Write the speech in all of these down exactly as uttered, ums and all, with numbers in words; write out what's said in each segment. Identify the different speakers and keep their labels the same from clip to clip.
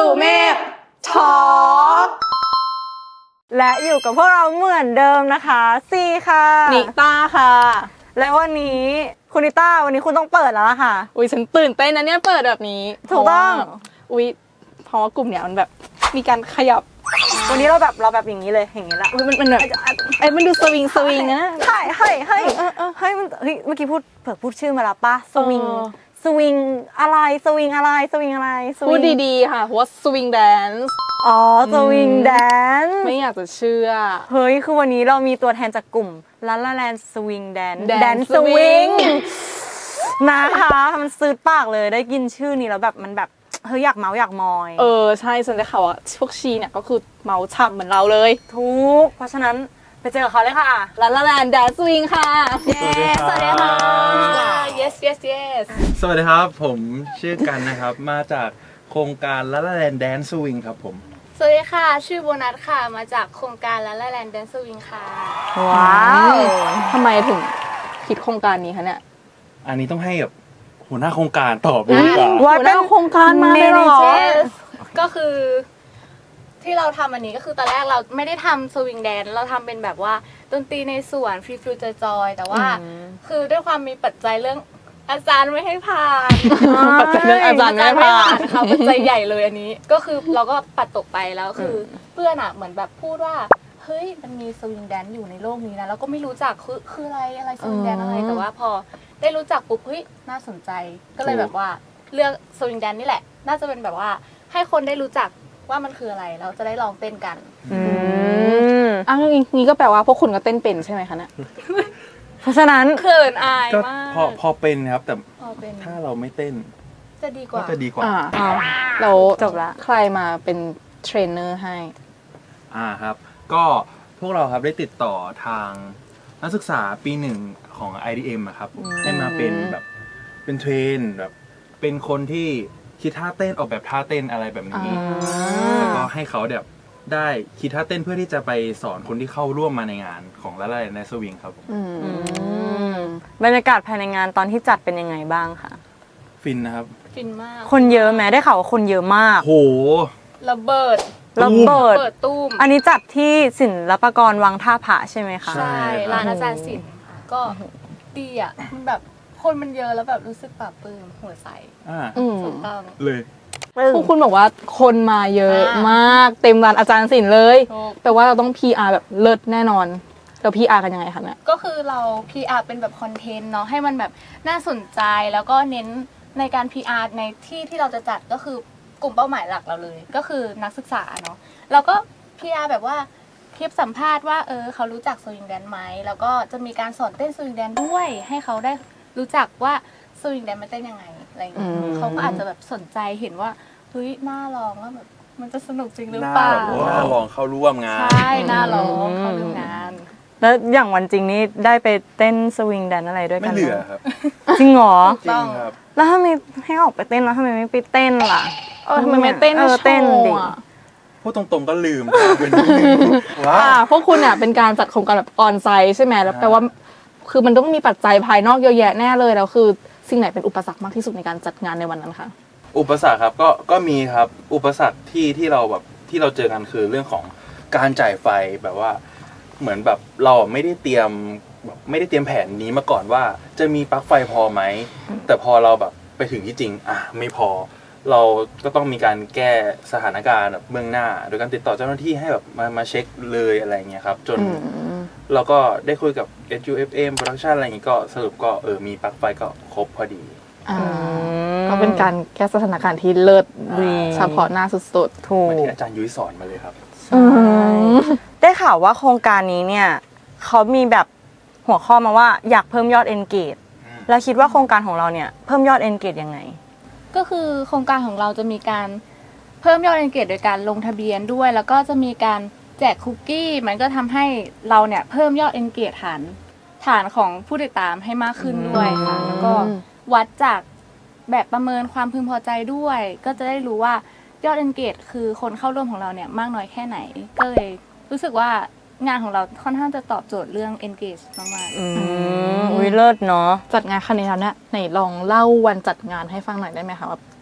Speaker 1: เมฆทอล์กและอยู่กับพวกเราเหมือนเดิมนะคะซีค่ะ
Speaker 2: นิต้าค่ะ
Speaker 1: และวันนี้คุณนิต้าวันนี้คุณต้องเปิดแล้วล่ะค่ะ
Speaker 2: อุ้ยฉันตื่นเต้นนะเนี่ยเปิดแบบนี้
Speaker 1: ถูกต้อง
Speaker 2: อุ้ยเพราะว่ากลุ่มเนี้ยมันแบบมีการขยับ
Speaker 1: วันนี้เราแบบเราแบบอย่างนี้เลยอย่างนี้ละ
Speaker 2: มันมันแบบไอ้มันดูสวิงสวิงนะ
Speaker 1: ใช่เฮ้ยเฮ้ยเฮ้ยมันเฮ้ยเมื่อกี้พูดเผื่อพูดชื่อมาแล้วปะสวิงสวิงอะไรสวิงอะไรสวิงอะไร
Speaker 2: พูดดีๆค่ะเพราะว่าสวิงแดนซ์
Speaker 1: อ๋อสวิงแดนซ์
Speaker 2: ไม่อยากจะเชื่อ
Speaker 1: เฮ้ยคือวันนี้เรามีตัวแทนจากกลุ่มลาลาแลนด์สวิงแดนซ์
Speaker 2: แดนซ์สวิง
Speaker 1: นะคะมันซื้อปากเลยได้ยินชื่อนี้แล้วแบบมันแบบเฮ้ยอยากเมาอยากมอย
Speaker 2: เออใช่ฉันได้ข่าวว่าพวกชีเนี่ยก็คือเมาฉ่ำเหมือนเราเลย
Speaker 1: ทุกเพราะฉะนั้นไปเจอกับเขาเลยค่ะ
Speaker 2: ลาลาแลนด์แดนซ์สวิงค่ะ
Speaker 1: เย้สวัสดีค่ะ
Speaker 2: yes yes yes
Speaker 3: สวัสดีครับผมชื่อกันนะครับมาจากโครงการละละแลนด์แดนซ์สวิงครับผม
Speaker 4: สวัสดีค่ะชื่อโบนัสค่ะมาจากโครงการละละแลนด์แดนซ์สวิงค่ะ
Speaker 1: ว้าว
Speaker 2: ทำไมถึงคิดโครงการนี้คะเนี่ย
Speaker 3: อันนี้ต้องให้แบบหัวหน้าโครงการตอบดีกว่า
Speaker 2: หัวหน้าโครงการมาเลยเหรอ
Speaker 4: ก็คือที่เราทำอันนี้ก็คือตอนแรกเราไม่ได้ทำสวิงแดนเราทำเป็นแบบว่าดนตรีในสวนฟรีฟิวเจอร์จอยแต่ว่าคือด้วยความมีปัจจัยเรื่องอาจารย์ไม่ให้ผ่าน
Speaker 2: ปัจจัยเรื่องอาจารย์ไม่ให้ผ่าน
Speaker 4: ค่ะปัจจัยใหญ่เลยอันนี้ก็คือเราก็ปัดตกไปแล้วคือเพื่อนอ่ะเหมือนแบบพูดว่าเฮ้ยมันมีสวิงแดนอยู่ในโลกนี้นะแล้วก็ไม่รู้จักคือคืออะไรอะไรสวิงแดนอะไรแต่ว่าพอได้รู้จักปุ๊บเฮ้ยน่าสนใจก็เลยแบบว่าเลือกสวิงแดนนี่แหละน่าจะเป็นแบบว่าให้คนได้รู้จักว่ามันคืออะไรเราจะได้ลองเต้นกัน
Speaker 1: อืม
Speaker 2: อ้าวงี้ก็แปลว่าพวกคุณก็เต้นเป็นใช่ไหมคะเนี่ย
Speaker 1: เพราะฉะนั้น
Speaker 4: เขินอายมาก
Speaker 3: พอพอเป็นครับแต่
Speaker 4: เป็น
Speaker 3: ถ้าเราไม่เต้น
Speaker 4: จะดีกว่า
Speaker 3: จะดีกว่า
Speaker 2: อ่าเรา
Speaker 1: จบละ
Speaker 2: ใครมาเป็นเทรนเนอร์ให้
Speaker 3: อ่าครับก็พวกเราครับได้ติดต่อทางนักศึกษาปีหนึ่งของ ไอ ดี เอ็ม อะครับให้มาเป็นแบบเป็นเทรนแบบเป็นคนที่คิดท่าเต้นออกแบบท่าเต้นอะไรแบบนี้แล้วก็ให้เขาแบบได้คิดท่าเต้นเพื่อที่จะไปสอนคนที่เข้าร่วมมาในงานของละลายในสวิงครับ
Speaker 1: บรรยากาศภายในงานตอนที่จัดเป็นยังไงบ้างคะ
Speaker 3: ฟินนะครับ
Speaker 4: ฟินมาก
Speaker 1: คนเยอะแม้ได้ข่าวว่าคนเยอะมาก
Speaker 3: โห
Speaker 4: ระเบิด
Speaker 1: ระเบิด
Speaker 4: ตู้ม
Speaker 1: อันนี้จัดที่ศิลปากรวังท่าผาใช่ไหมคะ
Speaker 4: ใช่ร้านอาจารย์ศิลป์ก็ดีอ่ะมันแบบคนมันเยอะแล้วแบบรู้สึกปลาบปลื้มหัวใสถูกต้อง
Speaker 3: เลย
Speaker 2: พวกคุณบอกว่าคนมาเยอะมากเต็มร้านอาจารย์ศิลป์เลยแต่ว่าเราต้อง พี อาร์ แบบเลิศแน่นอนเรา พี อาร์ กันยังไงคะเนี่ย
Speaker 4: ก็คือเรา พี อาร์ เป็นแบบคอนเทนต์เนาะให้มันแบบน่าสนใจแล้วก็เน้นในการ พี อาร์ ในที่ที่เราจะจัดก็คือกลุ่มเป้าหมายหลักเราเลยก็คือนักศึกษาเนาะเราก็ พี อาร์ แบบว่าคลิปสัมภาษณ์ว่าเออเขารู้จักสวิงแดนไหมแล้วก็จะมีการสอนเต้นสวิงแดนด้วยให้เขาได้รู้จักว่าสวิงแดนมันเต้นยังไงอะไรอย่างเงี้ยเขาก็อาจจะแบบสนใจเห็นว่าเฮ้ยน่าลองว่าแบบมันจะสนุกจริงหรือเปล่า
Speaker 3: น่าลองเข้าร่วมงาน
Speaker 4: ใช่น่าลองเข้าร่วมงาน
Speaker 1: แล้วอย่างวันจริงนี่ได้ไปเต้นสวิงแดนอะไรด้วยกัน
Speaker 3: ไม่เหลือครับ
Speaker 1: จริงเหรอ
Speaker 3: จริงครับ
Speaker 1: แล้วถ้าไม่ให้ออกไปเต้นแล้วทำไมไม่ไปเต้นล่ะ
Speaker 2: เออทำไมไม่เต้น
Speaker 1: เออเต้นดิ
Speaker 3: พูดตรงๆก็ลืมเป็น
Speaker 2: ว้าพวกคุณเนี่ยเป็นการจัดโครงการแบบออนไซต์ใช่ไหมแล้วแปลว่าคือมันต้องมีปัจจัยภายนอกเยอะแยะแน่เลยแล้วคือสิ่งไหนเป็นอุปสรรคมากที่สุดในการจัดงานในวันนั้นคะ
Speaker 3: อุปสรรคครับก็ก็มีครับอุปสรรคที่ที่เราแบบที่เราเจอกันคือเรื่องของการจ่ายไฟแบบว่าเหมือนแบบเราไม่ได้เตรียมแบบไม่ได้เตรียมแผนนี้มาก่อนว่าจะมีปลั๊กไฟพอไหมแต่พอเราแบบไปถึงที่จริงอ่ะไม่พอเราก็ต้องมีการแก้สถานการณ์แบบเบื้องหน้าโดยการติดต่อเจ้าหน้าที่ให้แบบมามาเช็คเลยอะไรเงี้ยครับจนเราก็ได้คุยกับ เอส ยู เอฟ เอ็ม Production อะไรอย่างงี้ก็สรุปก็เออมีปลั๊กไฟก็ครบพอดี
Speaker 2: ก็เป็นการแก้สถานการณ์ที่เลิศเฉพาะหน้าสุดๆ
Speaker 1: ถูก
Speaker 3: ที่อาจารย์ยุ้ยสอนมาเลยครับ
Speaker 1: ได้ข่าวว่าโครงการนี้เนี่ยเขามีแบบหัวข้อมาว่าอยากเพิ่มยอด engage แล้วคิดว่าโครงการของเราเนี่ยเพิ่มยอด engage ยังไง
Speaker 4: ก็คือโครงการของเราจะมีการเพิ่มยอด engage โดยการลงทะเบียนด้วยแล้วก็จะมีการแจกคุกกี้มันก็ทำให้เราเนี่ยเพิ่มยอด engage ฐานฐานของผู้ติดตามให้มากขึ้นด้วยค่ะแล้วก็วัดจากแบบประเมินความพึงพอใจด้วยก็จะได้รู้ว่ายอด engage คือคนเข้าร่วมของเราเนี่ยมากน้อยแค่ไหนก็เลยรู้สึกว่างานของเราค่อนข้างจะตอบโจทย์เรื่อง engage มากๆ
Speaker 1: อืมอุ้ยเลิศเนาะ
Speaker 2: จัดงานครั้งนี้แล้วเนี่ยไหนลองเล่าวันจัดงานให้ฟังหน่อยได้ไหมคะว่า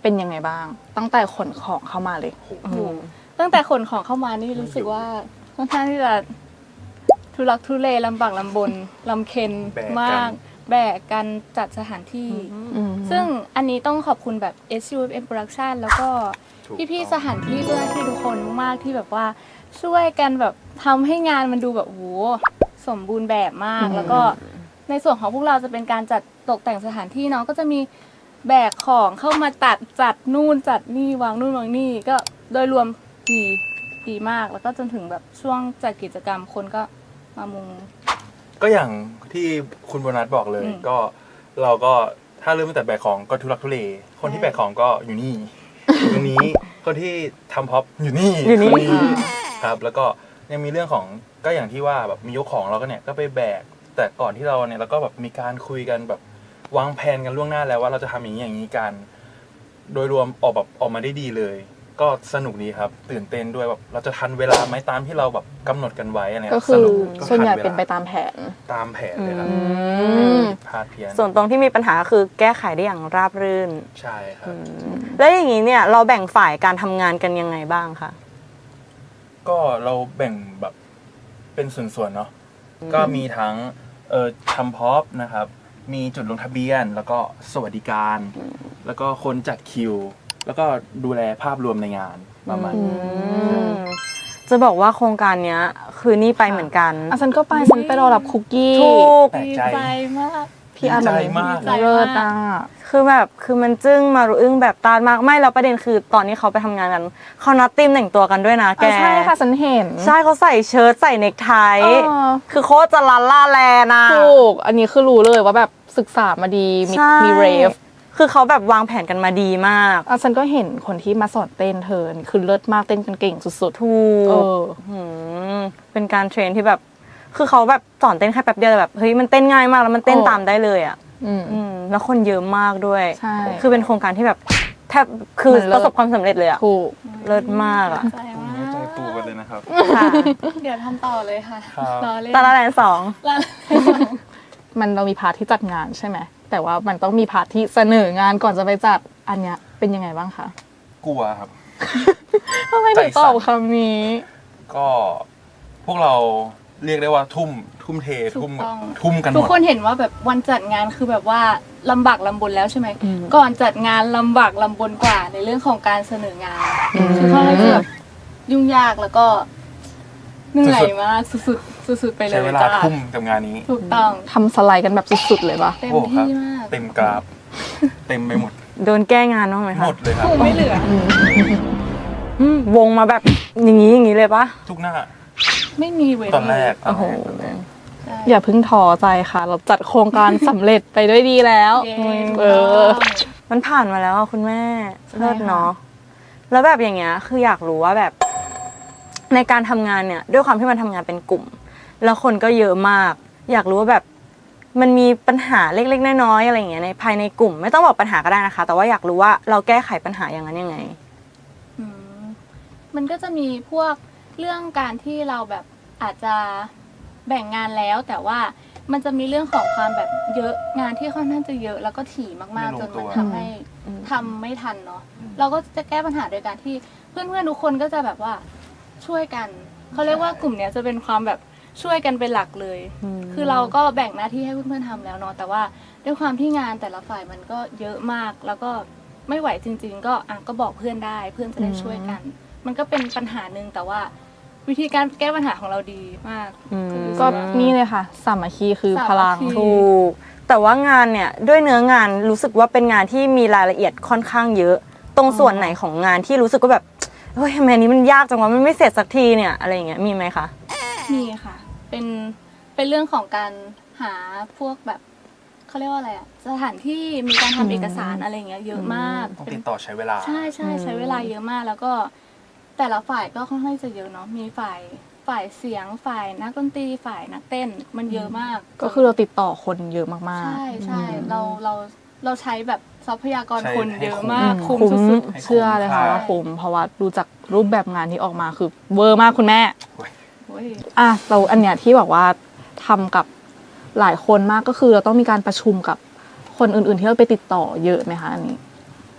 Speaker 2: เป็นยังไงบ้าง ตั้งแต่ขนของเข้ามาเลย
Speaker 1: อืม
Speaker 4: ตั้งแต่ขนของเข้ามานี่รู้สึกว่าค่อนข้างที่จะทุลักทุเลลำบากลำบนลำเค็ญ
Speaker 3: แบกกัน
Speaker 4: มาก แบกกันจัดสถานที่
Speaker 2: อืม
Speaker 4: ซึ่งอันนี้ต้องขอบคุณแบบ เอส ยู เอฟ เอ็ม Production แล้วก็
Speaker 3: ถูก
Speaker 4: พี่
Speaker 3: ต้อง
Speaker 4: ๆสถานที่เจ้าหน้าที่ทุกคนมากๆที่แบบว่าช่วยกันแบบทำให้งานมันดูแบบโอ้โหสมบูรณ์แบบมาก
Speaker 2: อืม
Speaker 4: แล้วก็ในส่วนของพวกเราจะเป็นการจัดตกแต่งสถานที่เนาะก็จะมีแบกของเข้ามาตัดจัดนู่นจัดนี่วางนู่นวางนี่ก็โดยรวมดีดีมาก แล้วก็จนถึงแบบช่วงจัดกิจกรรมคนก็มามุง
Speaker 3: ก็อย่างที่คุณโบนัสบอกเลย
Speaker 4: อืม
Speaker 3: ก็เราก็ถ้าเริ่มตั้งแต่แบกของก็ทุลักทุเลคนที่
Speaker 4: ใช่
Speaker 3: แบกของก็อยู่นี่ อยู่ตรงนี้คนที่ทำพ็อปอยู่นี่
Speaker 1: อยู่นี่
Speaker 3: คนครับ แล้วก็ยังมีเรื่องของก็อย่างที่ว่าแบบมียกของเราก็เนี่ยก็ไปแบก แต่ก่อนที่เราเนี่ยเราก็แบบมีการคุยกันแบบวางแผนกันล่วงหน้าแล้วว่าเราจะทำอย่างนี้อย่างนี้กัน โดยรวมออกแบบออกมาได้ดีเลย ก็สนุกดีครับ ตื่นเต้นด้วยแบบเราจะทันเวลาไหมตามที่เราแบบกำหนดกันไว้อะไร
Speaker 2: ก็
Speaker 3: เงี้ย
Speaker 2: คือ
Speaker 3: นุก
Speaker 2: ส่วนใหญ่
Speaker 3: ทัวล
Speaker 2: เป็นไปตามแผน
Speaker 3: ตามแผนเลยครับ
Speaker 2: อืม
Speaker 3: ผิดพลาดเพี้ยน
Speaker 1: ส่วนตรงที่มีปัญหาคือแก้ไขได้อย่างราบรื่น
Speaker 3: ใช่ครับ
Speaker 1: แล้วอย่างนี้เนี่ยเราแบ่งฝ่ายการทำงานกันยังไงบ้างคะ
Speaker 3: ก็เราแบ่งแบบเป็นส่วนๆเนาะก็มีทั้งเอ่อทำพ็อปนะครับ มีจุดลงทะเบียน แล้วก็สวัสดิการ แล้วก็คนจัดคิว แล้วก็ดูแลภาพรวมในงานประมาณนี้
Speaker 1: อืมจะบอกว่าโครงการเนี้ย คือนี่ไปเหมือนกัน
Speaker 2: อ่ะฉันก็ไปฉันไปรอรับคุกกี้
Speaker 1: ถูก
Speaker 3: แปลก
Speaker 4: ดี
Speaker 3: ใจ
Speaker 4: ใจมาก
Speaker 2: พี่อาร์
Speaker 3: ดีใจมาก
Speaker 4: ดีใจ
Speaker 2: เลิศอ่ะ
Speaker 1: คือแบบคือมันจึ้งมารุอึ้งแบบตาดมากไม่แล้วประเด็นคือตอนนี้เขาไปทำงานกันเขานัดทีมแต่งตัวกันด้วยนะแก
Speaker 2: อ่ะใช่ค่ะฉันเห็น
Speaker 1: ใช่เขาใส่เชิ้ตใส่เนคไท
Speaker 2: เออ
Speaker 1: คือโคตรจะลันล่าแลนะ
Speaker 2: ถูก อันนี้คือรู้เลยว่าแบบศึกษามาดี มี
Speaker 1: ใช่
Speaker 2: มีเรฟ
Speaker 1: คือเขาแบบวางแผนกันมาดีมาก
Speaker 2: อ่ะฉันก็เห็นคนที่มาสอนเต้นเธอนี่คือเลิศมากเต้นกันเก่งสุด
Speaker 1: ถู
Speaker 2: ๆ เอก อ
Speaker 1: หืมเป็นการเทรนที่แบบ คือเขาแบบสอนเต้นแค่แป๊บเดียวแต่แบบเฮ้ยมันเต้นง่ายมากแล้วมันเต้น
Speaker 2: เออ
Speaker 1: ตามได้เลยอ่ะ
Speaker 2: อืม
Speaker 1: อืมแล้วคนเยอะมากด้วย
Speaker 2: ใช่
Speaker 1: คือเป็นโครงการที่แบบแทบคือ
Speaker 2: มันเลิ
Speaker 1: ป
Speaker 2: ศ
Speaker 1: ระสบความสำเร็จเลยอ่ะ
Speaker 2: ถูก
Speaker 1: เลิศมากอ่ะ
Speaker 4: ใจมา
Speaker 3: ใจ
Speaker 4: ก
Speaker 3: ฟูกันเลยนะครับ
Speaker 1: ค่ะ
Speaker 4: เดี๋ยวทำต่อเลยค่ะ
Speaker 3: ครับ
Speaker 4: รอเล่น
Speaker 1: ตาละแลนสอง
Speaker 4: รอเล่น
Speaker 2: มันเรามีพาร์ทที่จัดงานใช่ไหม แต่ว่ามันต้องมีพาร์ทที่เสนองานก่อนจะไปจัด อันเนี้ยเป็นยังไงบ้างคะ
Speaker 3: กลัวครับ
Speaker 2: ทำไมถึงตอบคำนี้
Speaker 3: ก็พวกเราเรียกได้ว่าทุ่มทุ่มเท
Speaker 4: ถู
Speaker 3: ทุ่ม
Speaker 4: กต้อง
Speaker 3: ทุ่มกันห
Speaker 4: ทุก
Speaker 3: มด
Speaker 4: คนเห็นว่าแบบวันจัดงานคือแบบว่าลำบากลำบนแล้วใช่ไหม
Speaker 2: อืม
Speaker 4: ก่อนจัดงานลำบากลำบนกว่าในเรื่องของการเสนองาน คือค่อนข้างจะแบบยุ่งยากแล้วก็เหนื่อยมากสุดๆสุดๆไปเลย
Speaker 3: ใช้เวลา
Speaker 4: จ้า
Speaker 3: ทุ่มกับงานนี้
Speaker 4: ถูกต้อง
Speaker 2: ทำสไลด์กันแบบสุดๆเลยปะ
Speaker 4: เต็ม
Speaker 3: โอ้ครับ
Speaker 4: ที่มาก
Speaker 3: เต็มกราฟ เต็มไปหมด
Speaker 1: โดนแก้งานบ้างไหม
Speaker 3: ห
Speaker 1: คะ
Speaker 3: มดเลยครับ
Speaker 4: คงไม่เหลือ
Speaker 1: อืมวงมาแบบอย่างนี้อย่างนี้เลยปะ
Speaker 3: ทุกหน้า
Speaker 4: ไม่มีเว้น
Speaker 3: ตอนแรก
Speaker 2: โอ้โห
Speaker 3: ตอนแรก
Speaker 4: ใช่
Speaker 2: อย่าเพิ่งท้อใจค่ะ เราจัดโครงการสำเร็จไปด้วยดีแล้ว
Speaker 4: เย้
Speaker 2: เออ
Speaker 1: มันผ่านมาแล้วอะคุณแม่
Speaker 2: ใช่
Speaker 1: เลิศ
Speaker 2: ค่ะ
Speaker 1: เนาะแล้วแบบอย่างเงี้ยคืออยากรู้ว่าแบบในการทำงานเนี่ย ด้วยความที่มันทำงานเป็นกลุ่ม แล้วคนก็เยอะมาก อยากรู้ว่าแบบมันมีปัญหาเล็กๆน้อยๆอะไรอย่างเงี้ยในภายในกลุ่ม ไม่ต้องบอกปัญหาก็ได้นะคะ แต่ว่าอยากรู้ว่าเราแก้ไขปัญหาอย่างนั้นยังไง
Speaker 4: อืมมันก็จะมีพวกเรื่องการที่เราแบบอาจจะแบ่งงานแล้ว แต่ว่ามันจะมีเรื่องของความแบบเยอะงานที่ค่อนข้างจะเยอะแล้วก็ถี่มาก
Speaker 3: ไม่
Speaker 4: ๆ
Speaker 3: ลง
Speaker 4: จน
Speaker 3: ตั
Speaker 4: มัน
Speaker 3: ว
Speaker 4: ทำให้ทำไม่ทันเนาะเราก็จะแก้ปัญหาโดยการที่เพื่อนๆทุกคนก็จะแบบว่าช่วยกันเขาเรียกว่ากลุ่มเนี้ยจะเป็นความแบบช่วยกันเป็นหลักเลย
Speaker 1: อืม
Speaker 4: คือเราก็แบ่งหน้าที่ให้เพื่อนๆทำแล้วเนาะแต่ว่าด้วยความที่งานแต่ละฝ่ายมันก็เยอะมาก แล้วก็ไม่ไหวจริง ๆ ก็อ่ะก็บอกเพื่อนได้เพื่อนจะได้ช่วยกัน มันก็เป็นปัญหาหนึ่งแต่ว่า วิธีการแก้ปัญหาของเราดีมาก
Speaker 1: อืม
Speaker 4: คือ
Speaker 2: ก็นี่เลยค่ะสามัคคีคือพลัง
Speaker 4: สามัคคี
Speaker 1: ถูกแต่ว่างานเนี่ยด้วยเนื้องานรู้สึกว่าเป็นงานที่มีรายละเอียดค่อนข้างเยอะ ตรงส่วนไหนของงานที่รู้สึกว่าแบบเฮ้ยทำไมอันนี้มันยากจังวะมันไม่เสร็จสักทีเนี่ยอะไรอย่างเงี้ยมีไหมคะ
Speaker 4: มีค่ะ เป็นเป็นเรื่องของการหาพวกแบบเขาเรียกว่าอะไรอะสถานที่มีการทำเอกสารอะไรอย่างเงี้ยเยอะมาก
Speaker 3: ต้อง
Speaker 4: เป็
Speaker 3: ติ
Speaker 4: น
Speaker 3: ดต่อใช้เวลา
Speaker 4: ใช่ใช่ใช้เวลาเยอะมาก แล้วก็แต่ละฝ่ายก็ค่อนข้างจะเยอะเนาะมีฝ่ายฝ่ายเสียงฝ่ายนักดนตรีฝ่ายนักเต้นมันเยอะมาก
Speaker 2: ก็คือเราติดต่อคนเยอะมากๆ
Speaker 4: ใช่ใช่เราเราเราใช้แบบทรัพยากร
Speaker 3: ใช้
Speaker 4: คน
Speaker 3: ให้
Speaker 4: เยอะ
Speaker 3: คุ้ม
Speaker 4: มาก
Speaker 1: อืม
Speaker 4: คุ้ม
Speaker 1: คุ้ม
Speaker 4: สุด
Speaker 3: ให้
Speaker 2: เชื่อเลยค่ะ
Speaker 3: ใช่
Speaker 2: ว่าคุ้มเพราะว่าดูจากรูปแบบงานที่ออกมาคือเวอร์มากคุณแม่
Speaker 4: ๆโอ้ย
Speaker 2: อ่ะเราอันเนี้ยที่บอกว่าทำกับหลายคนมากก็คือเราต้องมีการประชุมกับคนอื่นๆที่เราไปติดต่อเยอะไหมคะอันนี้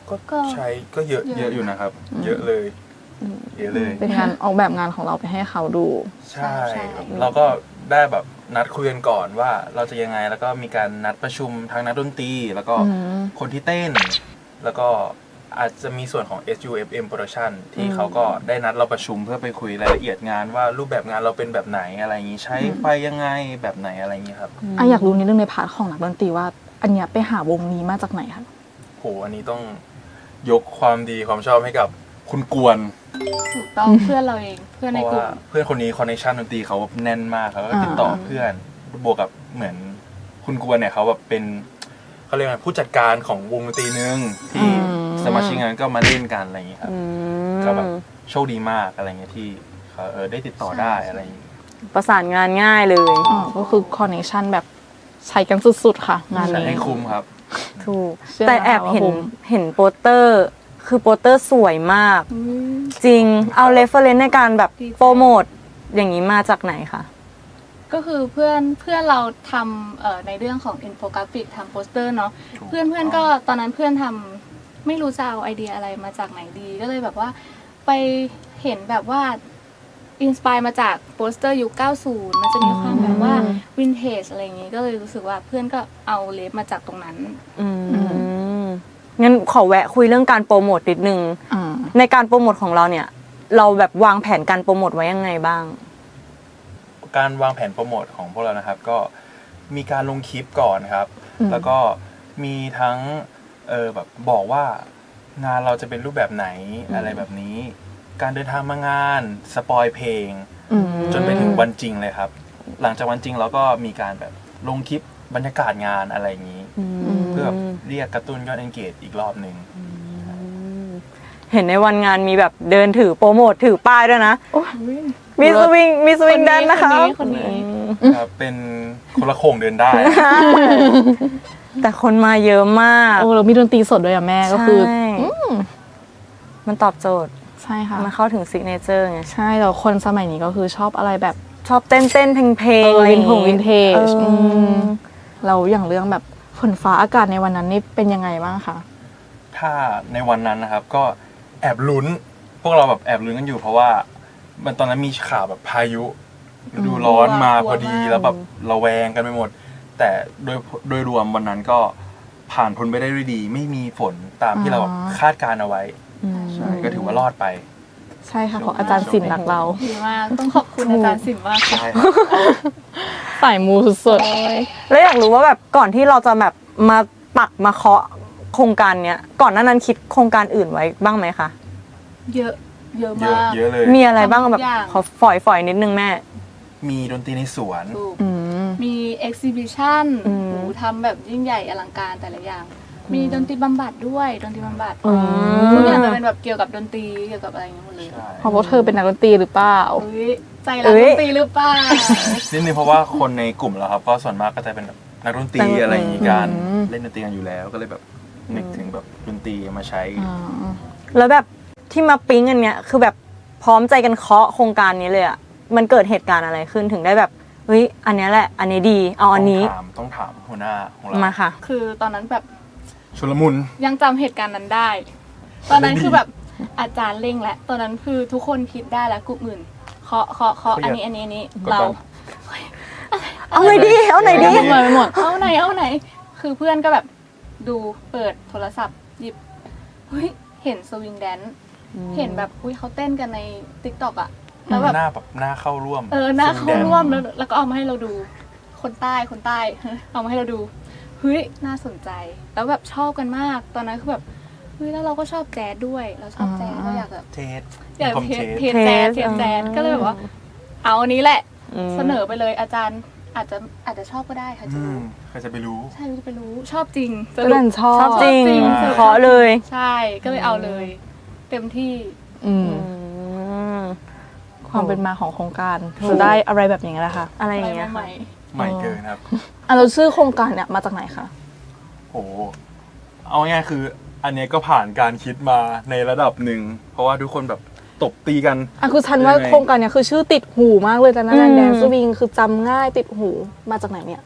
Speaker 3: ก็ใช้ก็เยอะเยอะอยู่นะครับ เยอะเลยเยอะเลย
Speaker 2: เป็นงานออกแบบงานของเราไปให้เขาดู
Speaker 3: ใช่ครับเราก็ได้แบบนัดคุยกันก่อนว่าเราจะยังไงแล้วก็มีการนัดประชุมทั้งนักดนตรีแล้วก็
Speaker 2: อืม
Speaker 3: คนที่เต้น แล้วก็อาจจะมีส่วนของ เอส ยู เอฟ เอ็ม Production ที่เขาก็ได้นัดเราประชุมเพื่อไปคุยรายละเอียดงานว่ารูปแบบงานเราเป็นแบบไหนอะไรอย่างนี้ใช้ไฟยังไงแบบไหนอะไรอย่างนี้ครับ
Speaker 2: อ่ะอยากรู้นิดนึงในพาร์ทของนักดนตรีว่า อันเนี้ยไปหาวงนี้มาจากไหนคะ
Speaker 3: โหอันนี้ต้องยกความดีความชอบให้กับคุณกวน
Speaker 4: ถูกต้องเพื่อนเราเองเพื่อน
Speaker 3: เพ
Speaker 4: ใน
Speaker 3: ราะ
Speaker 4: กลุ่
Speaker 3: ว่าม เพื่อนคนนี้คอนเนคชั่นดนตรีเขาแน่นมากเขาก็ติดต่อเพื่อนบวกกับเหมือนคุณกวนเนี่ยเขาแบบเป็นเขาเรียกว่าผู้จัดการของวงดนตรีนึงที่สมาชิกงานก็มาเล่นกันอะไรอย่างนี้ครับ
Speaker 1: อืม
Speaker 3: ก็แบบโชคดีมากอะไรเงี้ยที่เขาเออได้ติดต่อได้อะไรอย่างงี้
Speaker 1: ประสานงานง่ายเลย
Speaker 2: อ๋อก็คือคอนเนคชั่นแบบใช้กันสุดๆค่ะ งาน
Speaker 3: ใช้
Speaker 2: นี้
Speaker 3: ให้คุ้มครับ
Speaker 1: ถูก
Speaker 2: เชื่อ
Speaker 1: แต่แอบเห็น
Speaker 2: ว่าผม
Speaker 1: เห็นโปสเตอร์ คือโปสเตอร์สวยมาก จริง เอาเรฟเฟอเรนซ์ในการแบบ
Speaker 4: ดีใจ
Speaker 1: โปรโมทอย่างนี้มาจากไหนคะ
Speaker 4: ก็คือเพื่อนเพื่อนเราทำเอ่อในเรื่องของอินโฟกราฟิกทำโปสเตอร์เนาะ
Speaker 3: ถูก
Speaker 4: เพื่อนเพื่อนก็ตอนนั้นเพื่อนทำไม่รู้จะเอาไอเดียอะไรมาจากไหนดี ก็เลยแบบว่าไปเห็นแบบว่าอินสปายมาจากโปสเตอร์ยุค เก้าสิบ มันจะมีความแบบว่าวินเทจอะไรอย่างงี้ก็เลยรู้สึกว่าเพื่อนก็เอาเลฟมาจากตรงนั้น
Speaker 1: อืมงั้นขอแวะคุยเรื่องการโปรโมทนิดนึง
Speaker 2: อ่า
Speaker 1: ในการโปรโมทของเราเนี่ย เราแบบวางแผนการโปรโมทไว้ยังไงบ้าง
Speaker 3: การวางแผนโปรโมทของพวกเรานะครับ ก็มีการลงคลิปก่อนครับ
Speaker 2: อืม
Speaker 3: แล้วก็มีทั้งเออแบบบอกว่างานเราจะเป็นรูปแบบไหนอะไรแบบนี้ การเดินทางมางานสปอยเพลง
Speaker 2: อืม
Speaker 3: จนไปถึงวันจริงเลยครับ หลังจากวันจริงเราก็มีการแบบลงคลิปบรรยากาศงานอะไรอย่างนี้ เพื่อแบบเรียกกระตุ้นยอด engage อีกรอบหนึ่ง
Speaker 1: เห็นในวันงานมีแบบเดินถือโปรโมทถือป้ายด้วยนะ มีสวิงมีสวิงแดนนะคะ
Speaker 4: คนนี้คนนี้
Speaker 3: ครับเป็นคนละโขงเดินได้
Speaker 1: แต่คนมาเยอะมาก
Speaker 2: โอ้เรามีดนตรีสดด้วยอ่ะแม่ก็คือ
Speaker 1: ใช่มันตอบโจทย์
Speaker 2: ใช่ค่ะ
Speaker 1: มันเข้าถึงซิกเนเจอร์ไง
Speaker 2: ใช่แล้วคนสมัยนี้ก็คือชอบอะไรแบบ
Speaker 1: ชอบเต้นเต้นเพลงเพลง
Speaker 2: เออ
Speaker 1: อะไร
Speaker 2: วินผงวินเทจ
Speaker 1: เอออ
Speaker 2: มเราอย่างเรื่องแบบฝนฟ้าอากาศในวันนั้นนี่เป็นยังไงบ้างคะ
Speaker 3: ถ้าในวันนั้นนะครับก็แอบลุ้น พวกเราแบบแอบลุ้นกันอยู่ เพราะว่ามันตอนนั้นมีข่าวแบบพายุฤดูร้อนมาพอดีแล้วแบบระแวงกันไปหมด แต่โดยโดยรวมวันนั้นก็ผ่านพ้นไปได้ด้วยดี ไม่มีฝนตามที่เราแบบคาดการเอาไว้ใช่ก็ถือว่ารอดไป
Speaker 2: ใช่ค่ะเพราะอาจารย์ศิลป์รักเรา
Speaker 4: ดีมากต้องขอบคุณอาจารย์สินมากค่ะ
Speaker 3: ใช่ครับ
Speaker 2: สายมูสุด
Speaker 1: แล้วอยากรู้ว่าแบบก่อนที่เราจะแบบมาปักมาเคาะโครงการเนี้ยก่อนหน้านั้นคิดโครงการอื่นไว้บ้างไหมคะ
Speaker 4: เยอะเยอะ
Speaker 3: เยอะ
Speaker 4: มาก
Speaker 3: เยอะเลย
Speaker 1: มีอะไรบ้างแบบ
Speaker 4: ทุกอย่าง
Speaker 1: ขอฝอยฝอยนิดนึงแม่
Speaker 3: มีดนตรีในสวน
Speaker 4: ถูก
Speaker 2: ๆอืม
Speaker 4: มีเอ็กซิบิชัน
Speaker 1: อืม
Speaker 4: ทำแบบยิ่งใหญ่อลังการแต่ละอย่าง มีดนตรีบำบัดด้วยดนตรีบำบัด
Speaker 1: อืม
Speaker 4: ทุกอย่างจะเป็นแบบเกี่ยวกับดนตรีเกี่ยวกับอะไรอย่างเงี้ยหมดเลย
Speaker 3: ใช่
Speaker 2: เพราะว่าเธอเป็นนักดนตรีหรือเปล่า
Speaker 4: เอ้ยใจรักดนตรีหรือเปล่า
Speaker 3: นิดนึงเพราะว่าคนในกลุ่มเราครับก็ส่วนมากก็จะเป็นแบบนักดนตรีอะไรอย่างงี้กัน
Speaker 2: อืม
Speaker 3: เล่นดนตรีกันอยู่แล้วก็เลยแบบนึกถึงแบบดนตรีมาใช้
Speaker 2: อ่า
Speaker 1: แล้วแบบที่มาปิ๊งอันเนี้ยคือแบบพร้อมใจกันเคาะโครงการนี้เลยอะมันเกิดเหตุการณ์อะไรขึ้นถึงได้แบบเฮ้ยอันเนี้ยแหละ อันนี้ดีเอาอันนี้
Speaker 3: ต้องถามต้องถามหัวหน้าของเรา
Speaker 1: มาค่ะ
Speaker 4: คือตอนนั้นแบบ
Speaker 3: ชุลมุน
Speaker 4: ยังจำเหตุการณ์นั้นได้ ตอนนั้นคือแบบอาจารย์เร่งแล้วตอนนั้นคือทุกคนคิดได้แล้วกลุ่มอื่นเคาะเคาะเคาะอันนี้อันนี้อันนี้
Speaker 3: กด
Speaker 4: เรา
Speaker 3: ดัน
Speaker 1: เอาไหนดีเอาไหนดี
Speaker 2: มาไปหมด
Speaker 4: เอาไหนเอาไหน คือเพื่อนก็แบบดูเปิดโทรศัพท์หยิบเฮ้ยเห็นสวิงแดนซ์เห็นแบบอุ้ยเขาเต้นกันในติ๊กต็อกอะแล้วแบบ
Speaker 3: หน้าแบบหน้าเข้าร่วม
Speaker 4: เออหน้าเข้า
Speaker 3: แดง
Speaker 4: ร่วมแล้วแล้วก็เอามาให้เราดู คนใต้คนใต้ เอามาให้เราดูเฮ้ยน่าสนใจ แล้วแบบชอบกันมาก ตอนนั้นคือแบบเฮ้ยแล้วเราก็ชอบแจ๊สด้วย เราชอบแจ๊ส
Speaker 2: อ่า
Speaker 4: เราอยากแบบ
Speaker 3: เทส
Speaker 4: อยาก
Speaker 3: คอม
Speaker 4: เท
Speaker 3: เทส
Speaker 4: สเทสแจ๊ส
Speaker 1: เท
Speaker 4: เท
Speaker 1: ส
Speaker 4: สแจ๊ส
Speaker 1: อืม
Speaker 4: ก็เลยแบบว่า เอาอันนี้แหละ
Speaker 1: ม
Speaker 4: เสนอไปเลยอาจารย์อาจจะอาจจะชอบก็ได้ค่ะจะ
Speaker 3: อื
Speaker 4: รู้
Speaker 3: มใครจะไปรู้
Speaker 4: ใช่รู้จะไปรู้ชอบจริงส
Speaker 2: ก็
Speaker 4: รุ
Speaker 2: เล่
Speaker 4: ป
Speaker 2: นชอบ
Speaker 1: ชอบจริง
Speaker 4: จริง
Speaker 1: เคาะเลย
Speaker 4: ใช่ก็เลยเอาเลย เต็มที่
Speaker 2: อืม
Speaker 1: อืม
Speaker 2: ความเป็นมาของโครงการจะได้อะไรแบบอย่างนี้แหละค่ะ
Speaker 1: อะไรอ
Speaker 4: อะไร
Speaker 1: ย่างเงี้ย
Speaker 4: ให
Speaker 1: ค่ะ
Speaker 4: ม่
Speaker 3: ใหม่เกินครับ
Speaker 2: อ่ะเราชื่อโครงการเนี่ยมาจากไหนคะ
Speaker 3: โอ้โหเอาง่ายๆคือ อันเนี้ยก็ผ่านการคิดมาในระดับหนึ่ง เพราะว่าทุกคนแบบตบตีกัน
Speaker 2: อ่ะคือฉันว่า
Speaker 3: ยังไง
Speaker 2: โครงการเนี่ยคือชื่อติดหูมากเลยแต่นะ
Speaker 1: อืม
Speaker 2: แดนซ์สวิงคือจำง่ายติดหูมาจากไหนเนี่ย
Speaker 3: โ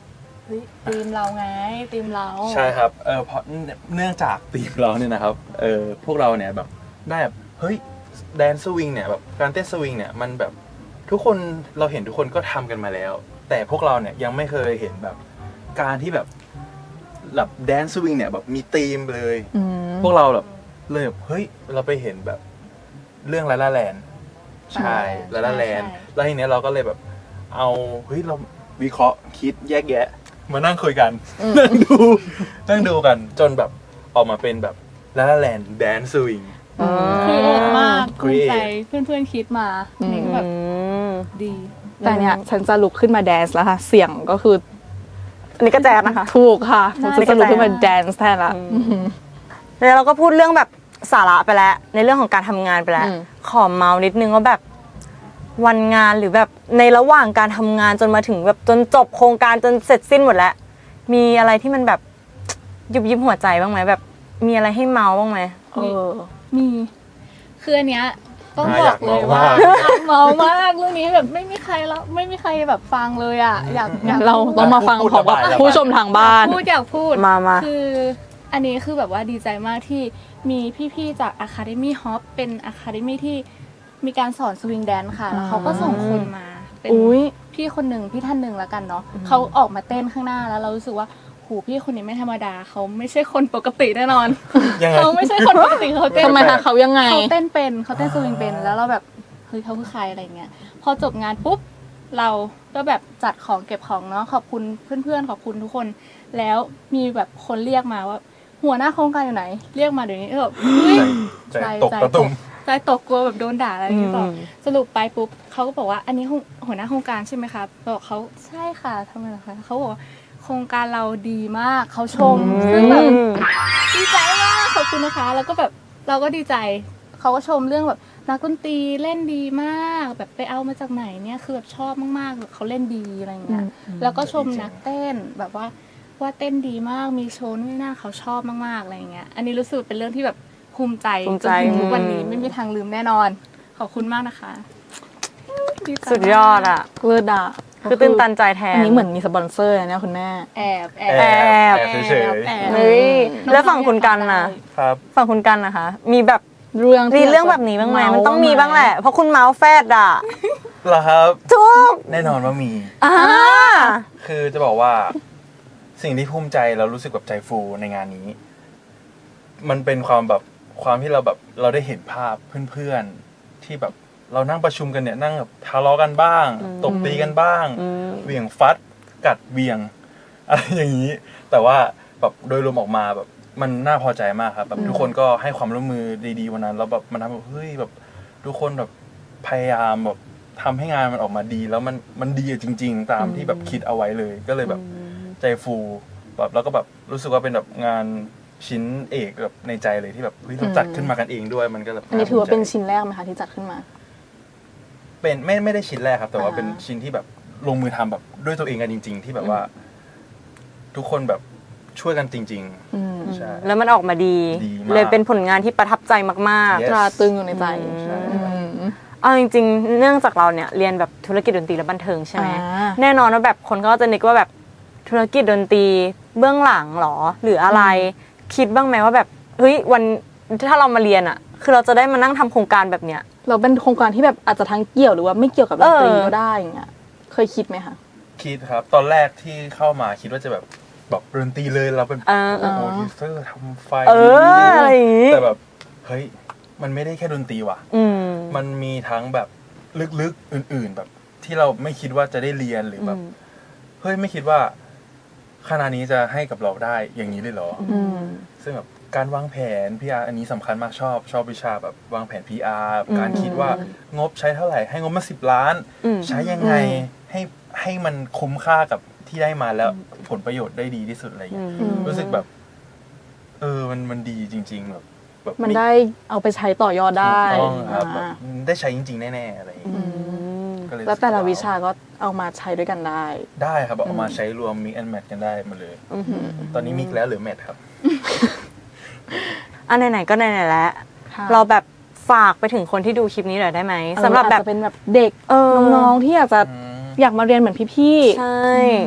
Speaker 4: ฮ้ยทีมเราไงทีมเรา
Speaker 3: ใช่ครับเออเพราะเนื่องจากทีมเราเนี่ยนะครับเออพวกเราเนี่ยแบบได้แบบเฮ้ยแดนสวิงเนี่ยแบบการเต้นสวิงเนี่ยมันแบบทุกคนเราเห็นทุกคนก็ทำกันมาแล้ว แต่พวกเราเนี่ยยังไม่เคยเห็นแบบการที่แบบแบบแดนสวิงเนี่ยแบบมีธีมเลย
Speaker 2: อืม
Speaker 3: พวกเราแบบเลยแบบเฮ้ยเราไปเห็นแบบเรื่องลาลาแลนใช่ลาลาแลนแล้วทีเนี้ยเราก็เลยแบบเอาเฮ้ยเราวิเคราะห์คิดแยกแยะมานั่งคุยกันนั่งดูนั่งดูกันจนแบบออกมาเป็นแบบลาลาแลนแดนสวิง
Speaker 4: ครีเอทมากภูมิใจ
Speaker 3: Create
Speaker 4: เพื่อนๆคิดมานี่ก็แบบ
Speaker 1: อืม
Speaker 4: ดี
Speaker 2: แต่เนี่ยฉันจะลุกขึ้นมาแดนซ์แล้วค่ะ เสียงก็คือ
Speaker 1: อันนี้ก็แจ๊ดนะคะ
Speaker 2: ถูกค่ะ
Speaker 4: น่า
Speaker 2: ฉันจะลุกขึ้นมาแดนซ์แทนละ
Speaker 1: แล้วเราก็พูดเรื่องแบบสาระไปแล้ว ในเรื่องของการทำงานไปแล้ว
Speaker 2: อืม
Speaker 1: ขอเมาส์นิดนึงว่าแบบวันงานหรือแบบในระหว่างการทำงานจนมาถึงแบบจนจบโครงการจนเสร็จสิ้นหมดแล้ว มีอะไรที่มันแบบยุบยิบหัวใจบ้างไหมแบบ มีอะไรให้เมาส์บ้างไหม
Speaker 2: เออ
Speaker 4: มีคืออันเนี้ยต้อง
Speaker 3: อ่า
Speaker 4: บ
Speaker 3: อ
Speaker 4: อย
Speaker 3: าก ก
Speaker 4: เลย
Speaker 3: เมา
Speaker 4: ว่า
Speaker 3: มาก
Speaker 4: อยากเมามากเรื่องนี้แบบไม่มีใครแล้วไม่มีใครแบบฟังเลยอ่ะอยากอยาก
Speaker 2: เราต้องมาฟังของกับผู้ชมทางบ้าน
Speaker 4: พูดอยากพูด
Speaker 1: มามา
Speaker 4: คืออันนี้คือแบบว่าดีใจมากที่มีพี่ๆจาก Academy Hop เป็น Academy ที่มีการสอนสวิงแดนค่ะ แล้วเขาก็ส่งคนมา เป็น
Speaker 2: อุ๊ย
Speaker 4: พี่คนหนึ่งพี่ท่านหนึ่งแล้วกันเนาะเขาออกมาเต้นข้างหน้าแล้วเรารู้สึกว่าโหพี่คนนี้ไม่ธรรมดาเขาไม่ใช่คนปกติแน่นอน
Speaker 3: ยังไง
Speaker 4: เขาไม่ใช่คนปกติเขาเต้น
Speaker 2: ทำไมคะเขายังไง
Speaker 4: เขาเต้นเป็นเขาเต้นสวิงเป็นแล้วเราแบบเฮ้ยเขาคือใครอะไรเงี้ยพอจบงานปุ๊บเราก็แบบจัดของเก็บของเนาะขอบคุณเพื่อนๆขอบคุณทุกคน แล้วมีแบบคนเรียกมาว่า หัวหน้าโครงการอยู่ไหน เรียกมาเดี๋ยวนี้แบบเฮ้ย
Speaker 3: ใจตกตะตุ่ม
Speaker 4: ใจตกกลัวแบบโดนด่าอะไรอย่างเงี้ยต่ออ
Speaker 1: ม
Speaker 4: สรุปไปปุ๊บเขาก็บอกว่าอันนี้หัวหัวหน้าโครงการใช่ไหมคะบอกเขาใช่ค่ะทำไมล่ะคะเขาบอกว่าโครงการเราดีมากเขาชมซึ่งแบบ ดีใจมากขอบคุณนะคะ แล้วก็แบบเราก็ดีใจเขาก็ชมเรื่องแบบนักดนตรีเล่นดีมาก แบบไปเอามาจากไหนเนี่ยคือแบบชอบมากๆแบบเขาเล่นดีอะไรอย่างเงี้ยแล้วก็ชมนักเต้นแบบว่าว่าเต้นดีมากมีโชว์นู่นนี่นั่นเขาชอบมากๆอะไรอย่างเงี้ยอันนี้รู้สึกเป็นเรื่องที่แบบภูมิใจ
Speaker 1: ภูมิใจ
Speaker 4: จนถึงทุกวันนี้ไม่มีทางลืมแน่นอน ขอบคุณมากนะคะใจ
Speaker 1: สุดยอดอ่ะ
Speaker 2: เลิศอ่ะ
Speaker 1: คือตื่นตันใจแทน
Speaker 2: อันนี้เหมือนมีสปอนเซอร์นะเนี่ยคุณแม่
Speaker 4: แอบแอ
Speaker 3: แอ
Speaker 4: บบ
Speaker 3: แอบเฉย
Speaker 4: แอบ
Speaker 1: เฮ้ยแล้วฝั่งคุณกันน่ะ
Speaker 3: ๆครับ
Speaker 1: ฝั่งคุณกันนะคะ มีแบบ
Speaker 2: เรื่อง
Speaker 1: มีเรื่องแบบนี้บ้างไหมมันต้องมีบ้างแหละ เพราะคุณเมาส์แฟดอ่ะ
Speaker 3: เหรอครับ
Speaker 1: ทุก
Speaker 3: แน่นอนว่ามี
Speaker 1: อ่า
Speaker 3: คือจะบอกว่าสิ่งที่ภูมิใจเรารู้สึกแบบใจฟูในงานนี้ มันเป็นความแบบความที่เราแบบเราได้เห็นภาพเพื่อนๆที่แบบเรานั่งประชุมกันเนี่ยนั่งแบบทะเลาะกันบ้าง ตบตีกันบ้างเหวี่ยงฟัดกัดเบี่ยงอะไรอย่างนี้ แต่ว่าแบบโดยรวมออกมาแบบมันน่าพอใจมากครับแบบทุกคนก็ให้ความร่วมมือดีๆวันนั้นแล้วแบบมันทำแบบเฮ้ยแบบทุกคนแบบพยายามแบบทำให้งานมันออกมาดี แล้วมันมันดีจริง ๆ ตามที่แบบคิดเอาไว้เลยก็เลยแบบใจฟูแบบแล้วก็แบบรู้สึกว่าเป็นแบบงานชิ้นเอกแบบในใจเลยที่แบบเฮ้ยเราจัดขึ้นมากันเองด้วยมันก็แบบ
Speaker 2: อันนี้ถือว่าเป็น
Speaker 3: ภูมิใจ
Speaker 2: ชิ้นแรกไหมคะที่จัดขึ้นมา
Speaker 3: เป็นไม่ไม่ได้ชิ้นแรกครับ แต่ว่า
Speaker 2: อ่า
Speaker 3: เป็นชิ้นที่แบบลงมือทำแบบด้วยตัวเองกันจริง ๆ ที่แบบว่า ทุกคนแบบช่วยกันจริง
Speaker 2: อืม
Speaker 3: ๆใช่
Speaker 1: แล้วมันออกมาดี
Speaker 3: ดีมาก
Speaker 1: เลยเป็นผลงานที่ประทับใจมาก
Speaker 3: Yes
Speaker 2: ตราตรึงอยู่ในใจ
Speaker 3: ใช่
Speaker 2: อืม
Speaker 1: ๆ เอาจริงๆ เนื่องจากเราเนี่ยเรียนแบบธุรกิจดนตรีและบันเทิงใช่ไหม
Speaker 2: อ่า
Speaker 1: แน่นอนว่าแบบคนก็จะนึกว่าแบบธุรกิจดนตรีเบื้องหลังหรอ หรืออะไร คิดบ้างไหมว่าแบบเฮ้ยวันถ้าเรามาเรียนอ่ะ คือเราจะได้มานั่งทำโครงการแบบเนี้ย
Speaker 2: เราเป็นโครงการที่แบบอาจจะทั้งเกี่ยวหรือว่าไม่เกี่ยวกับดนตรี
Speaker 1: เออ
Speaker 2: ก็ได้อย่างเงี้ย เคยคิดไหมคะ
Speaker 3: คิดครับ ตอนแรกที่เข้ามาคิดว่าจะแบบแบบดนตรีเลยเราเป็น
Speaker 1: เออเอ
Speaker 3: โปร
Speaker 1: อ
Speaker 3: ดิวเซอร์ทำไฟ
Speaker 1: เอออะไรอย่างงี้
Speaker 3: แต่แบบเฮ้ยมันไม่ได้แค่ดนตรีว่ะ
Speaker 1: อืม
Speaker 3: มันมีทั้งแบบลึกๆอื่น ๆ แบบที่เราไม่คิดว่าจะได้เรียนหรือแบบเฮ้ยไม่คิดว่าคณะนี้จะให้กับเราได้อย่างนี้เลยเหรออ
Speaker 2: อืม
Speaker 3: ซึ่งแบบการวางแผน พี อาร์ อันนี้สำคัญมากชอบ ชอบวิชาแบบวางแผน พี อาร์ การคิดว่างบใช้เท่าไหร่ให้งบมาสิบล้าน
Speaker 1: อืม
Speaker 3: ใช้ยังไงให้ให้มันคุ้มค่ากับที่ได้มาแล้วผลประโยชน์ได้ดีที่สุดอะไรอย่างเงี้ย
Speaker 2: อืม
Speaker 3: รู้สึกแบบ เออมันมันดีจริง ๆ แบบแบบ
Speaker 2: มันได้เอาไปใช้ต่อยอดได้
Speaker 3: ถูกต้องครับแบบ
Speaker 2: อ่า
Speaker 3: ได้ใช้จริง ๆ แน่ๆอะไรอย่างเงี้ยก็เย
Speaker 2: แล้วแต่ละ
Speaker 3: รู้สึก
Speaker 2: วิชาก็เอามาใช้ด้วยกันได้
Speaker 3: ได้ครับแบบเอามาใช้รวม mix and match กันได้หมาเลย ตอนนี้มิกแล้วหรือ match ครับ
Speaker 1: อันไหนๆก็ไหนๆแล้ว
Speaker 2: ค่ะ
Speaker 1: เราแบบฝากไปถึงคนที่ดูคลิปนี้หน่อยได้ไหมสำหรับแบบ
Speaker 2: อาจจะเป็นแบบเด็ก
Speaker 1: เออ
Speaker 2: น้องๆที่อยากจะ
Speaker 3: อืม
Speaker 2: อยากมาเรียนเหมือนพี่
Speaker 1: ใช่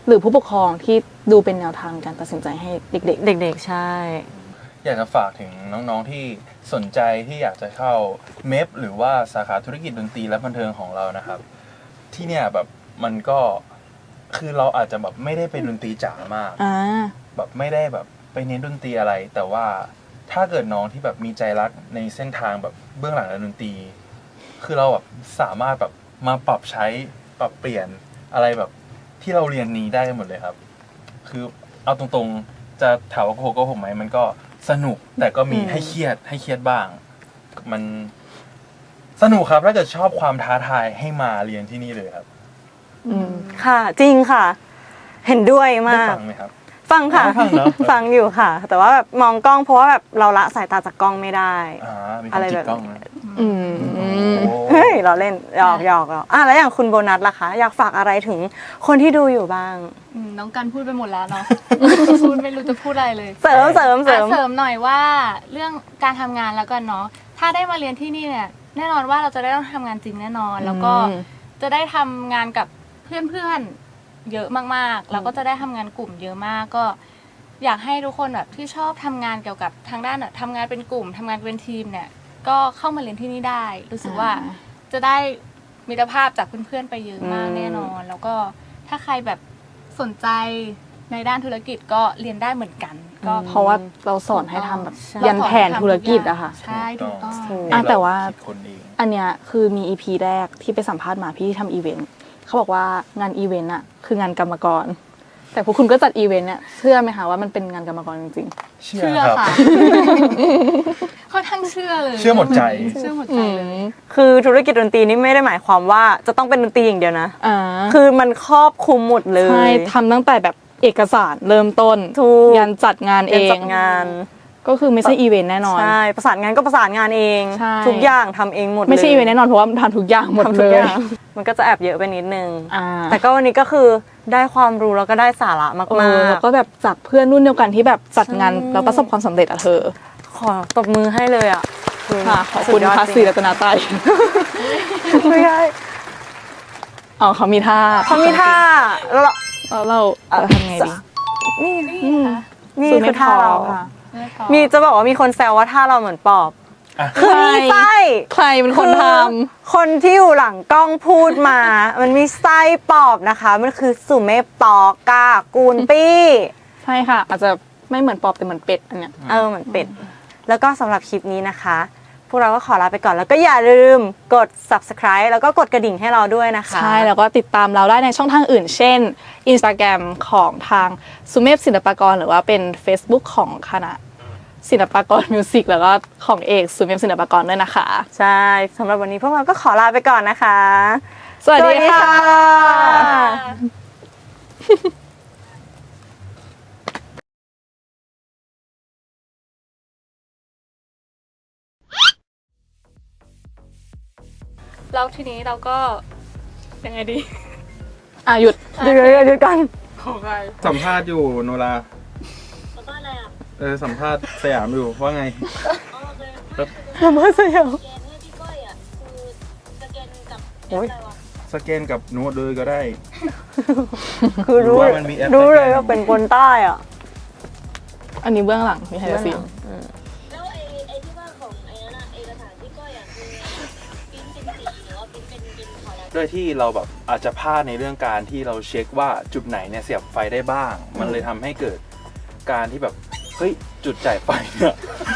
Speaker 2: หรือผู้ปกครองที่ดูเป็นแนวทางการตัดสินใจให้เด็ก
Speaker 1: เด็กๆใช่
Speaker 3: อยากจะฝากถึงน้องๆที่สนใจที่อยากจะเข้าเมฟหรือว่าสาขาธุรกิจดนตรีและบันเทิงของเรานะครับ ที่เนี่ยแบบมันก็คือเราอาจจะแบบไม่ได้เป็นดนตรีจ๋ามาก
Speaker 2: ๆอ่า
Speaker 3: แบบไม่ได้แบบไปเน้นดนตรีอะไร แต่ว่าถ้าเกิดน้องที่แบบมีใจรักในเส้นทางแบบเบื้องหลังดนตรี คือเราแบบสามารถแบบมาปรับใช้ปรับเปลี่ยนอะไรแบบที่เราเรียนนี้ได้หมดเลยครับ คือเอาตรงๆจะถามว่าโกหกโกหกไหมมันก็สนุกแต่ก็มี
Speaker 1: อืม
Speaker 3: ให้เครียดให้เครียดบ้าง มันสนุกครับถ้าเกิดชอบความท้าทายให้มาเรียนที่นี่เลยครับ
Speaker 2: อืม
Speaker 1: ค่ะจริงค่ะ เห็นด้วย
Speaker 3: ได้
Speaker 1: มาก
Speaker 3: ฟังไหมครับ
Speaker 1: ฟังค่ะ
Speaker 3: ได้ฟังเหรอ
Speaker 1: ฟังอยู่ค่ะ แต่ว่าแบบมองกล้องเพราะว่าแบบเราละสายตาจากกล้องไม่ได้
Speaker 3: อ่ามีค
Speaker 1: อะ
Speaker 3: น
Speaker 1: ไร
Speaker 3: จิ
Speaker 1: แบ
Speaker 3: ก
Speaker 1: บ
Speaker 3: กล้องนะ
Speaker 2: อืม
Speaker 3: โอ้
Speaker 1: เฮ้ยเราเล่นหยอกหยอกหยอกอ่ะแล้วอย่างคุณโบนัสล่ะคะ อยากฝากอะไรถึงคนที่ดูอยู่บ้าง
Speaker 4: อืมน้องกันพูดไปหมดแล้วเนาะ พูดไม่รู้จะพูดอะไรเลย
Speaker 1: เสริมเสริมเสริม
Speaker 4: อ่ะเสริมหน่อยว่าเรื่องการทำงานแล้วกันเนาะถ้าได้มาเรียนที่นี่เนี่ยแน่นอนว่าเราจะได้ต้องทำงานจริงแน่นอน แล้วก็
Speaker 2: อืม
Speaker 4: จะได้ทำงานกับเพื่อนๆเยอะมากๆแล้วก็จะได้ทำงานกลุ่มเยอะมากก็ อยากให้ทุกคนแบบที่ชอบทำงานเกี่ยวกับทางด้านแบบทำงานเป็นกลุ่มทำงานเป็นทีมเนี่ยก็เข้ามาเรียนที่นี่ได้ รู้สึกว่า
Speaker 2: อ่า
Speaker 4: จะได้มิตรภาพจากเพื่อนๆไปเยอะมาก
Speaker 1: อืม
Speaker 4: แน่นอน แล้วก็ถ้าใครแบบสนใจในด้านธุรกิจก็เรียนได้เหมือนกัน ก็
Speaker 2: เพราะว่าเราสอนให้ทำแบบ
Speaker 1: ใช่
Speaker 2: ยันแผนธุรกิจอะค่ะ
Speaker 4: ใช่ถูกต้อง
Speaker 1: ถูก
Speaker 2: อ่ะแต่ว่า
Speaker 3: คิดคนเอง
Speaker 2: อันเนี้ยคือมี อี พี แรกที่ไปสัมภาษณ์มาพี่ที่ทำอีเวนต์เขาบอกว่างานอีเวนต์อะคืองานกรรมกร แต่พวกคุณก็จัดอีเวนต์เนี่ยเชื่อไหมคะว่ามันเป็นงานกรรมกรจริง
Speaker 3: เชื่อ
Speaker 4: เชื่อ
Speaker 3: ครับ
Speaker 4: ค่ะ ค่อนข้างเชื่อเลย
Speaker 3: เชื่อหมดใจ
Speaker 4: เชื่อหมด
Speaker 2: ๆ
Speaker 4: ใจ
Speaker 2: อื
Speaker 4: เลย
Speaker 2: ม
Speaker 1: คือธุรกิจดนตรีนี่ไม่ได้หมายความว่าจะต้องเป็นดนตรีอย่างเดียวนะ
Speaker 2: อ่า
Speaker 1: คือมันครอบคลุมหมดเลย
Speaker 2: ใช่ทำตั้งแต่แบบเอกสารเริ่มต้น
Speaker 1: ถูก
Speaker 2: ยันจัดงานเอ
Speaker 1: เรียน
Speaker 2: ง
Speaker 1: จัดงาน
Speaker 2: ก็คือไม่ใช่อีเวนต์แน่นอน
Speaker 1: ใช่ประสานงานก็ประสานงานเอง
Speaker 2: ใช่
Speaker 1: ทุกอย่างทำเองหมดเลย
Speaker 2: ไม่ใช่อีเวนต์แน่นอนเพราะว่าทำทุกอย่างหมด
Speaker 1: ทำ
Speaker 2: เล
Speaker 1: ทุก
Speaker 2: ย
Speaker 1: อย่างมันก็จะแอบเยอะไปนิดนึง
Speaker 2: อ่า
Speaker 1: แต่ก็วันนี้ก็คือได้ความรู้แล้วก็ได้สาระมาก
Speaker 2: เออแล้วก็แบบจากเพื่อนรุ่นเดียวกันที่แบบจัดงาน
Speaker 1: ใช่
Speaker 2: แล้วประสบความสำเร็จอะเธอ
Speaker 1: ๆขอตบมือให้เลยอ่ะ
Speaker 2: ค่ะขอบคุณ
Speaker 1: สุดยด
Speaker 2: พระ
Speaker 1: จ
Speaker 2: ศรี
Speaker 1: ริง
Speaker 2: รัตนาไตรัย
Speaker 1: ไม่ได้
Speaker 2: อ๋อเขามีท่า
Speaker 1: เขามีท่าแล้วเรา
Speaker 2: แล้วเราเราทำไงดี
Speaker 1: นี่
Speaker 2: อืม
Speaker 1: นี่
Speaker 2: สู้
Speaker 1: คื
Speaker 2: ไม่
Speaker 1: อท่าเรา
Speaker 2: พอค่ะ
Speaker 1: มีจะบอกว่ามีคนแซวว่าท่าเราเหมือนปอบ
Speaker 3: อ่ะ
Speaker 1: คือมีไส้
Speaker 2: ใครเป็นคนท
Speaker 1: คนที่อยู่หลังกล้องพูดมา มันมีไส้ปอบนะคะ มันคือสุเมปตอกากูนปี้
Speaker 2: ำใช่ค่ะ อาจจะไม่เหมือนปอบแต่เหมือนเป็ดอันเนี้ย
Speaker 1: เออเหมือนเป็ด แล้วก็สำหรับคลิปนี้นะคะ พวกเราก็ขอลาไปก่อน แล้วก็อย่าลืมกด subscribe แล้วก็กดกระดิ่งให้เราด้วยนะคะ
Speaker 2: ใช่ แล้วก็ติดตามเราได้ในช่องทางอื่น เช่น Instagram ของทางสุเมพศิลปากรหรือว่าเป็น Facebook ของคณะศิลปากรมิวสิกแล้วก็ของเอกสุเมพศิลปากรด้วยนะคะ
Speaker 1: ใช่สำหรับวันนี้พวกเราก็ขอลาไปก่อนนะคะ
Speaker 2: สวัสดีค่ะ
Speaker 4: แล้วทีนี้เราก็ยังไงดี
Speaker 2: อ่ะหยุด
Speaker 1: เดี๋ยวเดี๋ยวเดี๋ยวกัน
Speaker 3: สัมภาษณ์อยู่โนราสัมภาษณ์อะไรอ่ะ เออสัมภาษณ์สยามอยู่ว่าไง
Speaker 1: มาเมื่อสยาม
Speaker 5: สแกนให้พี่ก้อยอ่ะคือสแกนกับแอ
Speaker 1: โอ้
Speaker 5: ป
Speaker 1: ย
Speaker 5: อะไรวะ
Speaker 3: สแกนกับโน้ตเลยก็ได้
Speaker 1: คือรู้
Speaker 3: รู้ว่ามันมีแอป
Speaker 1: รู้เลย
Speaker 3: สแกน
Speaker 1: ว่าเป็นคนใต้อ่ะ
Speaker 2: อันนี้เบื้องหลังมีใครจะซีน
Speaker 5: แล้วไอ้ไอ้ที่ว่าของไอ้นั่นอะเอกสารพี่ก้อยอ่ะคือปริ้นเป็นสีหรือว่าปริ้นเป็นเป็นขาวดำ
Speaker 3: ด้วยที่เราแบบอาจจะพลาดในเรื่องการที่เราเช็คว่าจุดไหนเนี่ยเสียบไฟได้บ้าง มันเลยทำให้เกิดการที่แบบเฮ้ยจุดจ่ายไฟเนี่ย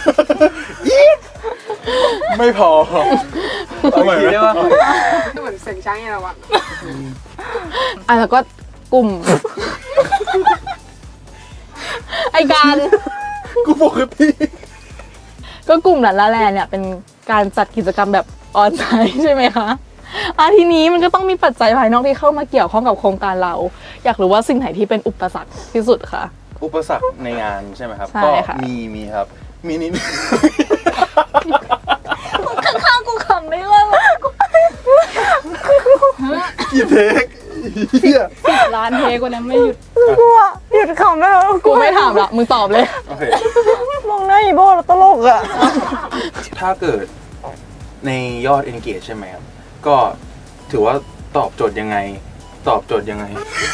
Speaker 3: ไม่พอเอาใหม่ได้ป่ะ
Speaker 6: เหมือนเสียงช้างไงเราอะ
Speaker 2: อ่ะแล้วก็กลุ่ม ไอการ
Speaker 3: กูปกติ
Speaker 2: ก็กลุ่มหลานละแลเนี่ยเป็นการจัดกิจกรรมแบบออนไลน์ใช่ไหมคะอ่ะทีนี้มันก็ต้องมีปัจจัยภายนอกที่เข้ามาเกี่ยวข้องกับโครงการเรา อยากรู้ว่าสิ่งไหนที่เป็นอุปสรรคที่สุดคะ
Speaker 3: อุปสรรคในงานใช่ไหมครับ
Speaker 2: ใช่
Speaker 3: ก็
Speaker 2: ค่ะ
Speaker 3: มีมีครับ มีนิด
Speaker 4: ข้างๆกูขำไม่เลิก
Speaker 3: กี่เทคเฮีย
Speaker 4: ร้านเทกว่านั้นไม่หยุด
Speaker 1: กลัวหยุดขำได้แล้ว
Speaker 2: กูไม่ถามละมึงตอบเลย
Speaker 3: โอเค
Speaker 1: มองหน้าอีโบแล้วตลกอ่ะ
Speaker 3: ถ้าเกิดในยอด engage ใช่ไหมครับ ก็ถือว่าตอบโจทย์ยังไงตอบโจทย์ยังไง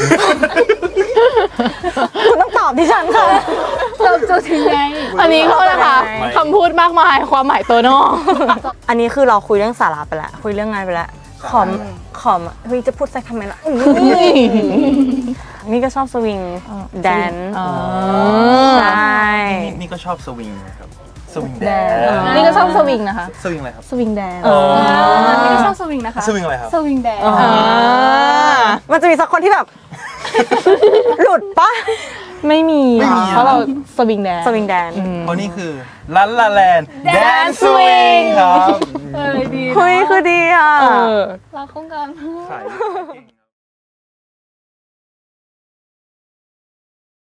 Speaker 1: คุณต้องตอบดิฉันค่ะ
Speaker 4: เราจะถึงไง
Speaker 2: อันนี้เขานะคะ
Speaker 3: ไม่
Speaker 2: คำพูดมากมายความหมายตัวนอก
Speaker 1: อันนี้คือเราคุยเรื่องสาระไปแล้วคุยเรื่องงานไปแล้วขอมขอมเฮ้ยจะพูดแซกทำไมล่ะนี่ก็ชอบสวิงแดน
Speaker 2: อ๋อ
Speaker 1: ใช่
Speaker 3: นี่นี่ก็ชอบสวิงนะครับสวิง
Speaker 2: แด
Speaker 3: แด
Speaker 2: น
Speaker 3: น
Speaker 2: นี่ก็ชอบสวิงนะคะ
Speaker 3: สวิงอะไรครับ
Speaker 2: สวิงแดน
Speaker 4: นี่ก็ชอบสวิงนะคะ
Speaker 3: สวิงอะไรครับ
Speaker 4: สวิงแดน
Speaker 2: อ่า
Speaker 1: มันจะมีสักคนที่แบบ หลุดปะ
Speaker 2: ไม่มี
Speaker 3: ไม่มี
Speaker 2: เพราะเราสวิงแดน
Speaker 1: สวิงแดน
Speaker 3: เพราะนี่คือลันลาแลนแดนสวิงครับ
Speaker 4: เออดี
Speaker 1: เฮ้ยคือดีอ่ะ
Speaker 2: เออ
Speaker 4: รักโครงการ
Speaker 3: ขาย